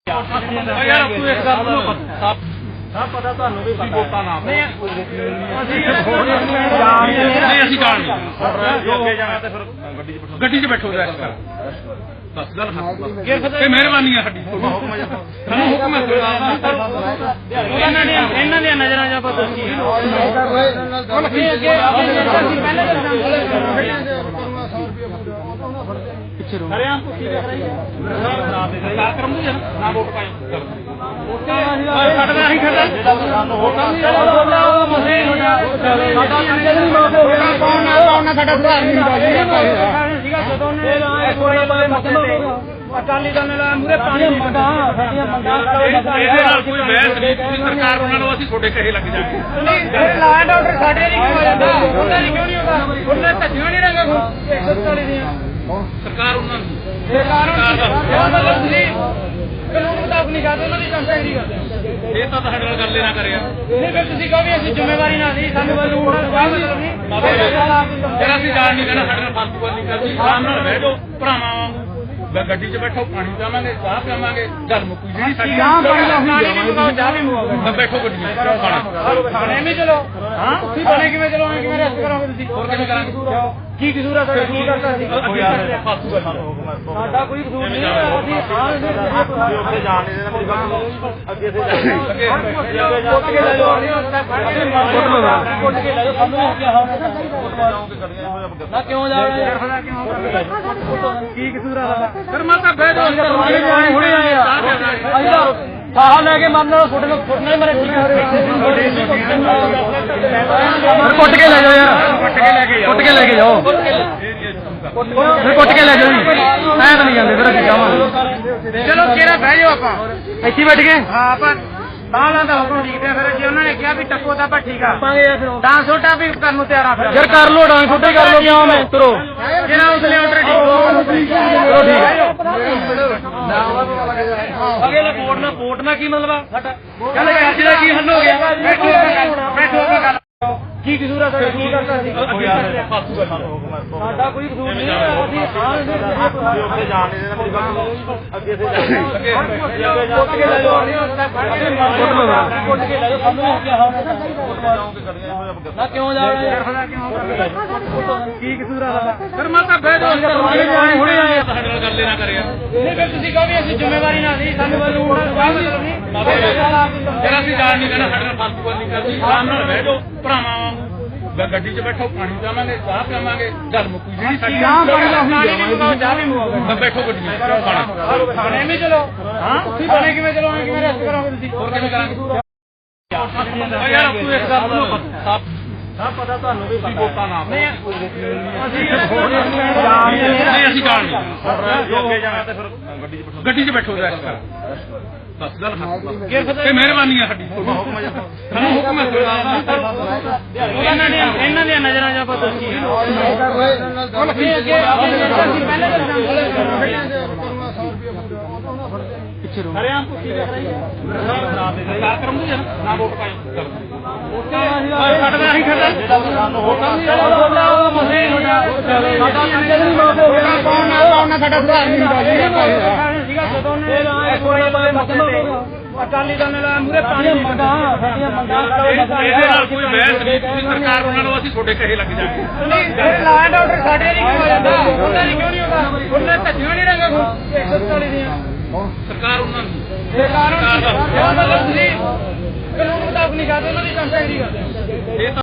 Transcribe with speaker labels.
Speaker 1: ਯਾਰ ਤੂੰ ਇਸ ਗੱਲ ਨੂੰ ਸਭ ਪਤਾ ਤੁਹਾਨੂੰ ਵੀ ਵੋਟਾਂ ਨਾ ਨਹੀਂ ਅਸੀਂ ਜਾਣ ਨਹੀਂ ਅੱਗੇ ਜਾਣਾ ਤੇ ਫਿਰ ਗੱਡੀ 'ਚ ਬੈਠੋ ਰੈਸਟ ਕਰ ਬਸ ਗੱਲ ਇਹ ਮਿਹਰਬਾਨੀ ਹੈ ਸਾਡੀ ਸਾਨੂੰ ਹੁਕਮ ਹੈ ਇਹਨਾਂ ਦੀਆਂ ਨਜ਼ਰਾਂ ਜਾਂ ਪਤਾ ਕੀ ਪਿੱਛੇ ਰੋ ਹਰਿਆਣਾ ਪੁੱਛੀ ਦੇਖ ਰਹੀ ਹੈ ਨਾ ਕਰਮ ਨੂੰ ਨਾ ਵੋਟ ਪਾਏ ਸਾਡਾ ਅਸੀਂ ਖੜਾ ਸਾਨੂੰ ਵੋਟਾਂ ਨਹੀਂ ਮਸੇ ਸਾਡਾ ਨਹੀਂ ਪਾਉਣਾ ਸਾਡਾ ਸੁਧਾਰ ਨਹੀਂ ਹੁੰਦਾ ਸੀਗਾ ਜਦੋਂ ਨੇ ਇੱਕ ਵਾਰੀ ਬਾਰੇ ਮਤਲਬ ਅਕਾਲੀ ਦਲ ਨੇ ਮੂਰੇ ਪਾਣੀ ਮੰਗਾ ਸਾਡੀਆਂ ਮੰਗਾਂ ਇਹਦੇ ਨਾਲ ਕੋਈ ਬਹਿਸ ਨਹੀਂ ਤੁਸੀਂ ਸਰਕਾਰ ਉਹਨਾਂ ਨੂੰ ਅਸੀਂ ਤੁਹਾਡੇ ਕਹੇ ਲੱਗ ਜਾਗੇ ਨਹੀਂ ਲਾ ਐਂਡ ਆਰਡਰ ਸਾਡੇ ਨਹੀਂ ਹੋ ਜਾਂਦਾ ਉਹਨਾਂ ਦੀ ਕਿਉਂ ਨਹੀਂ ਹੁੰਦਾ ਉਹਨਾਂ ਧੱਜੀਆਂ ਨਹੀਂ ਰੰਗਾ 144 ਦੀਆਂ ਸਰਕਾਰ ਉਹਨਾਂ ਨੂੰ ਸਰਕਾਰ ਦਾ ਮਤਲਬ ਤੁਸੀਂ ਕਾਨੂੰਨ ਮੁਤਾਬਕ ਨਹੀਂ ਕਰਦੇ ਉਹਨਾਂ ਦੀ ਕੰਪਲੇਂਟ ਨਹੀਂ ਕਰਦੇ ਇਹ ਤਾਂ ਸਾਡੇ ਨਾਲ ਗੱਲ ਨਾ ਕਰਿਆ ਨਹੀਂ ਫਿਰ ਤੁਸੀਂ ਕਹੋ ਵੀ ਅਸੀਂ ਜ਼ਿੰਮੇਵਾਰੀ ਨਾ ਲਈ ਸਾਨੂੰ ਕਾਨੂੰਨ ਦਾ ਕੋਈ ਮਤਲਬ ਨਹੀਂ ਫਿਰ ਅਸੀਂ ਜਾਣ ਨਹੀਂ ਕਹਿਣਾ ਸਾਡੇ ਨਾਲ ਫਾਲਤੂ ਨਹੀਂ ਕਰਦੀ ਆਰਾਮ ਨਾਲ ਬਹਿ ਜਾਓ ਭਰਾਵਾਂ ਵਾਂਗੂ ਗੱਡੀ 'ਚ ਬੈਠੋ ਪਾਣੀ ਪੀਵਾਂਗੇ ਚਾਹ ਪੀਵਾਂਗੇ ਗੱਲ ਮੁੱਕੀ ਜਿਹੜੀ ਸਾਡੀ ਪਾਣੀ ਵੀ ਮੰਗਾਓ ਚਾਹ ਵੀ ਮੰਗਾਓ ਬੈਠੋ ਗੱਡੀ ਖਾਣੇ ਵੀ ਚਲੋ ਹਾਂ ਤੁਸੀਂ ਬਣੇ ਕਿਵੇਂ ਚਲੋਗੇ ਕਿਵੇਂ ਰੈਸਟ ਕਰੋਗੇ ਤੁਸੀਂ ਹੋਰ ਕਿਵੇਂ ਕਰਾਂਗੇ ਕੀ ਕਸੂਰ ਆ ਸਾਡਾ ਕੀ ਕਰਤਾ ਸੀ ਸਾਡਾ ਕੋਈ ਕਸੂਰ ਨਹੀਂ ਅਸੀਂ ਉੱਥੇ ਜਾਣ ਨਹੀਂ ਦੇਣਾ ਮੇਰੀ ਗੱਲ ਅੱਗੇ ਸੇ ਜਾ ਪੁੱਟ ਕੇ ਲੈ ਜਾਓ ਪੁੱਟ ਕੇ ਲੈ ਜਾਓ ਸਾਨੂੰ ਕੀ ਨਾ ਕਿਉਂ ਜਾਣਾ ਯਾਰ ਕਿਉਂ ਕੀ ਕਸੂਰ ਆ ਸਾਡਾ ਫਿਰ ਮੈਂ ਤਾਂ ਬਹਿ ਜਾਓ ਹੁਣੇ ਆਏ ਆ ਸਾਹ ਲੈ ਕੇ ਮਰਨ ਨਾਲ ਫੁੱਟਣਾ ਹੀ ਮਰੇ ਕੁੱਟ ਕੇ ਲੈ ਜਾਓ ਯਾਰ ਕੁੱਟ ਕੇ ਲੈ ਕੇ ਜਾਓ ਫਿਰ ਕੁੱਟ ਕੇ ਲੈ ਜਾਓ ਜੀ ਐ ਤਾਂ ਨਹੀਂ ਜਾਂਦੇ ਫਿਰ ਅੱਗੇ ਜਾਵਾਂਗੇ ਚਲੋ ਕਿਹੜਾ ਬਹਿ ਜਾਓ ਆਪਾਂ ਇੱਥੇ ਬੈਠ ਕੇ ਹਾਂ ਆਪਾਂ ਬਾਹਲਾਂ ਦਾ ਹੁਕਮ ਲਿਖਦੇ ਫਿਰ ਜੇ ਉਹਨਾਂ ਨੇ ਕਿਹਾ ਵੀ ਟੱਕੋ ਤਾਂ ਆਪਾਂ ਠੀਕ ਆ ਡਾਂਸ ਛੋਟਾ ਵੀ ਕਰਨ ਨੂੰ ਤਿਆਰ ਆ ਫਿਰ ਯਾਰ ਕਰ ਲੋ ਡਾਂਸ ਛੋਟਾ ਕਰ ਲੋ ਕਿਉਂ ਮੈਂ ਤੁਰੋ ਜਿਹੜਾ ਉਸਲੇ ਆਰਡਰ ਠੀਕ ਅਗੇ ਲਾ ਵੋਟ ਨਾ ਕੀ ਮਤਲਬ ਆ ਸਾਡਾ ਚੱਲ ਅੱਜ ਦਾ ਕੀ ਹੱਲ ਹੋ ਗਿਆ ਬੈਠੋ ਗੱਲ ਕੀ ਕਸੂਰ ਆ ਸਾਡਾ ਕੀ ਕਰਤਾ ਸੀ ਸਾਡਾ ਕੋਈ ਕਸੂਰ ਨਹੀਂ ਅਸੀਂ ਉੱਥੇ ਜਾਣ ਨਹੀਂ ਦੇਣਾ ਮੇਰੀ ਗੱਲ ਅੱਗੇ ਸੇ ਜਾ ਪੁੱਟ ਕੇ ਲੈ ਜਾਓ ਪੁੱਟ ਕੇ ਲੈ ਜਾਓ ਸਾਨੂੰ ਨਾ ਕਿਉਂ ਜਾਣਾ ਯਾਰ ਕੀ ਕਸੂਰ ਆ ਸਾਡਾ ਫਿਰ ਮੈਂ ਤਾਂ ਬਹਿ ਜਾਓ ਹੁਣੇ ਆਏ ਸਾਡੇ ਨਾਲ ਗੱਲ ਨਾ ਕਰਿਆ ਨਹੀਂ ਫਿਰ ਤੁਸੀਂ ਕਹੋ ਵੀ ਅਸੀਂ ਜ਼ਿੰਮੇਵਾਰੀ ਨਾ ਲਈ ਸਾਨੂੰ ਕਾਨੂੰਨ ਦਾ ਕੋਈ ਮਤਲਬ ਨਹੀਂ ਫਿਰ ਅਸੀਂ ਜਾਣ ਨਹੀਂ ਕਹਿਣਾ ਸਾਡੇ ਨਾਲ ਫਾਲਤੂ ਨਹੀਂ ਕਰਦੀ ਆਰਾਮ ਨਾਲ ਬਹਿ ਜਾਓ ਭਰਾਵਾਂ ਵਾਂਗੂ ਗੱਡੀ 'ਚ ਬੈਠੋ ਪਾਣੀ ਪੀਵਾਂਗੇ ਚਾਹ ਪੀਵਾਂਗੇ ਗੱਲ ਮੁੱਕੀ ਜਿਹੜੀ ਸਾਡੀ ਪਾਣੀ ਵੀ ਮੰਗਾਓ ਚਾਹ ਵੀ ਮੰਗਾਓ ਬੈਠੋ ਗੱਡੀ ਖਾਣੇ ਵੀ ਚਲੋ ਹਾਂ ਤੁਸੀਂ ਬਣੇ ਕਿਵੇਂ ਚਲੋਗੇ ਕਿਵੇਂ ਰੈਸਟ ਕਰੋਗੇ ਤੁਸੀਂ ਹੋਰ ਕਿਵੇਂ ਕਰਾਂਗੇ ਯਾਰ ਤੂੰ ਇਸ ਗੱਲ ਨੂੰ ਸਭ ਪਤਾ ਤੁਹਾਨੂੰ ਵੀ ਵੋਟਾਂ ਨਾ ਨਹੀਂ ਅਸੀਂ ਜਾਣ ਨਹੀਂ ਅੱਗੇ ਜਾਣਾ ਤੇ ਫਿਰ ਗੱਡੀ 'ਚ ਬੈਠੋ ਰੈਸਟ ਕਰ ਬਸ ਗੱਲ ਇਹ ਮਿਹਰਬਾਨੀ ਹੈ ਸਾਡੀ ਸਾਨੂੰ ਹੁਕਮ ਹੈ ਇਹਨਾਂ ਦੀਆਂ ਨਜ਼ਰਾਂ ਜਾਂ ਪਤਾ ਕੀ ਪਿੱਛੇ ਰੋ ਹਰਿਆਣਾ ਪੁੱਛੀ ਦੇਖ ਰਹੀ ਹੈ ਨਾ ਕਰਮ ਨੂੰ ਨਾ ਵੋਟ ਪਾਏ ਸਾਡਾ ਅਸੀਂ ਖੜਾ ਸਾਨੂੰ ਵੋਟਾਂ ਨਹੀਂ ਮਸੇ ਸਾਡਾ ਸਾਡਾ ਸੁਧਾਰ ਨਹੀਂ ਹੁੰਦਾ ਸੀਗਾ ਜਦੋਂ ਨੇ ਇੱਕ ਵਾਰੀ ਬਾਰੇ ਮਤਲਬ ਅਕਾਲੀ ਦਲ ਨੇ ਮੂਰੇ ਪਾਣੀ ਮੰਗਾ ਸਾਡੀਆਂ ਮੰਗਾਂ ਇਹਦੇ ਨਾਲ ਕੋਈ ਬਹਿਸ ਨਹੀਂ ਤੁਸੀਂ ਸਰਕਾਰ ਉਹਨਾਂ ਨੂੰ ਅਸੀਂ ਤੁਹਾਡੇ ਕਹੇ ਲੱਗ ਜਾਗੇ ਨਹੀਂ ਲਾ ਐਂਡ ਆਰਡਰ ਸਾਡੇ ਨਹੀਂ ਹੋ ਜਾਂਦਾ ਉਹਨਾਂ ਦੀ ਕਿਉਂ ਨਹੀਂ ਹੁੰਦਾ ਉਹਨਾਂ ਧੱਜੀਆਂ ਨਹੀਂ ਰੰਗਾ 144 ਦੀਆਂ ਸਰਕਾਰ ਉਹਨਾਂ ਨੂੰ ਸਰਕਾਰ ਦਾ ਮਤਲਬ ਤੁਸੀਂ ਕਾਨੂੰਨ ਮੁਤਾਬਕ ਨਹੀਂ ਕਰਦੇ ਉਹਨਾਂ ਦੀ ਕੰਪਲੇਂਟ ਨਹੀਂ ਕਰਦੇ